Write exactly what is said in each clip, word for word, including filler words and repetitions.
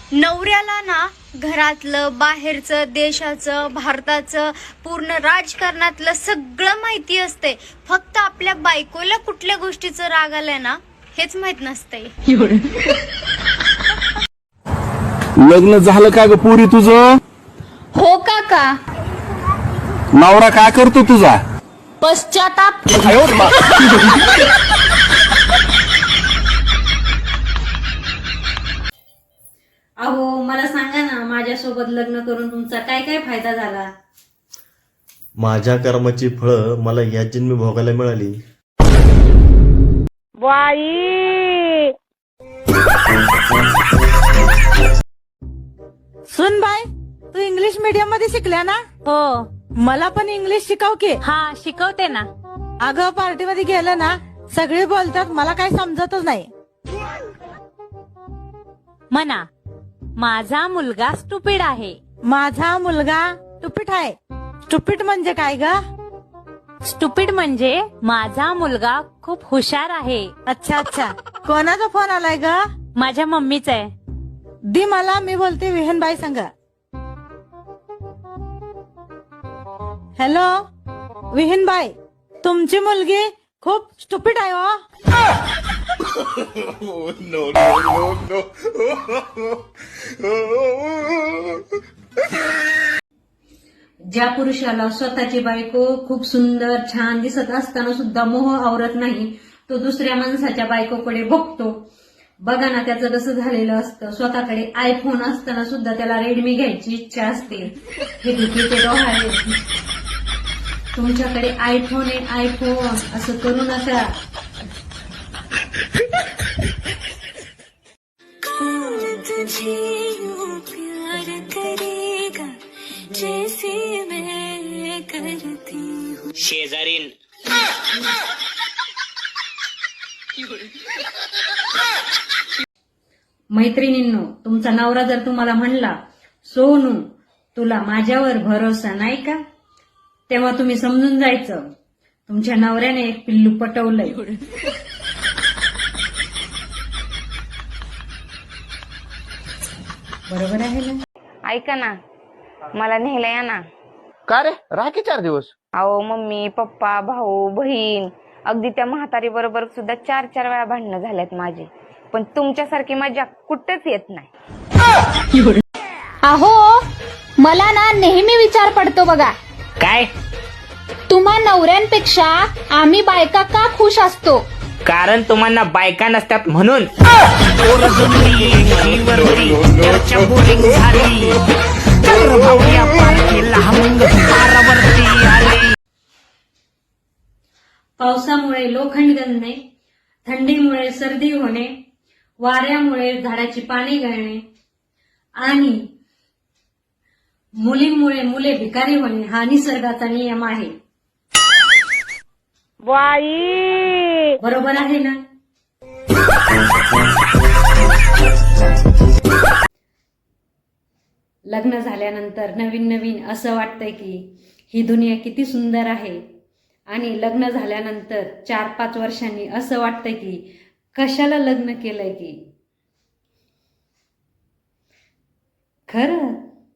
नवऱ्याला ना घरातलं, बाहेरचं, देशाचं, भारताचं, पूर्ण राजकारणातलं सगळं माहिती असते. फक्त आपल्या बायकोला कुठल्या गोष्टीचं राग आलाय ना हेच माहित नसतंय. लग्न झालं का ग पुरी तुझं? हो काका. नवरा काय करतो तुझा? पश्चाताप. अहो मला सांगा ना, माझ्यासोबत लग्न करून तुमचा काय काय फायदा झाला? माझ्या कर्माची फळं मला या जन्मी भोगायला मिळाली. सुन बाय, तू इंग्लिश मीडियम मध्ये शिकल्या ना? हो. मला पण इंग्लिश शिकव की. हा शिकवते ना. अगं पार्टी मध्ये गेलं ना, सगळे बोलतात, मला काही समजतच नाही. म्हणा, माझा मुलगा स्टुपिड आहे. माझा मुलगा टुपीट आहे. टुपीट म्हणजे काय ग? स्टुपिड म्हणजे माझा मुलगा खूप हुशार आहे. अच्छा अच्छा. कोणाचा फोन आलाय ग? माझ्या मम्मीच आहे. दी मला, मी बोलते विहनबाई संग. हॅलो विहीनबाई, तुमची मुलगी खूप स्टुपिड आहे हो. ज्या पुरुषाला स्वतःची बायको खूप सुंदर छान दिसत असताना सुद्धा मोह आवरत नाही, तो दुसऱ्या माणसाच्या बायकोकडे बघतो. बघा ना त्याचं कसं झालेलं असतं. स्वतःकडे आयफोन असताना सुद्धा त्याला रेडमी घ्यायची इच्छा असते. हे भीतीचे डोहाळे. तुमच्याकडे आयफोन आहे, आयफोन असं करू नका. शेजारीन मैत्रिणींनो, तुमचा नवरा जर तुम्हाला म्हणला, सोनू तुला माझ्यावर भरोसा नाही का, तेव्हा तुम्ही समजून जायचं तुमच्या नवऱ्याने एक पिल्लू पटवलंय. बरोबर आहे ना? ऐका ना, मला न्यायला या ना. का रे, राखी चार दिवस? अहो मम्मी, पप्पा, भाऊ, बहीण, अगदी त्या म्हातारी बरोबर सुद्धा चार चार वेळा भांडणं झाल्यात माझी, पण तुमच्यासारखी मजा कुठंच येत नाही. अहो मला ना नेहमी विचार पडतो बघा, काय? तुम्हा नवऱ्यांपेक्षा आम्ही बायका का खुश असतो? कारण तुम्हाला बायका नसतात म्हणून. पावसामुळे लोखंड गळणे, थंडीमुळे सर्दी होणे, वाऱ्यामुळे झाडाची पाने गळणे आणि मुलींमुळे मुले भिकारी होणे हा निसर्गाचा नियम आहे. बरोबर आहे ना? लग्न झाल्यानंतर नवीन नवीन असं वाटतंय की ही दुनिया किती सुंदर आहे, आणि लग्न झाल्यानंतर चार पाच वर्षांनी असं वाटतंय की कशाला लग्न केलंय की. खरं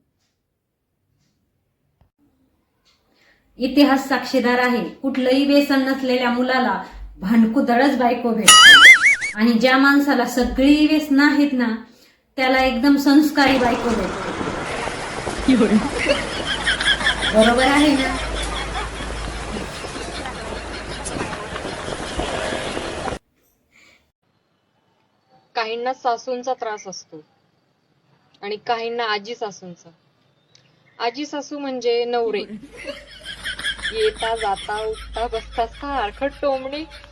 इतिहास साक्षीदार आहे, कुठलंही व्यसन नसलेल्या मुलाला भांडकुदळच बायको भेटते, आणि ज्या माणसाला सगळी व्यसन आहेत ना त्याला एकदम संस्कारी बायको भेटते. बरोबर आहे ना? काहींना सासूंचा त्रास असतो आणि काहींना आजी सासूंचा. आजी सासू म्हणजे नवरे, येता जाता उठता बसता सारखं टोमणे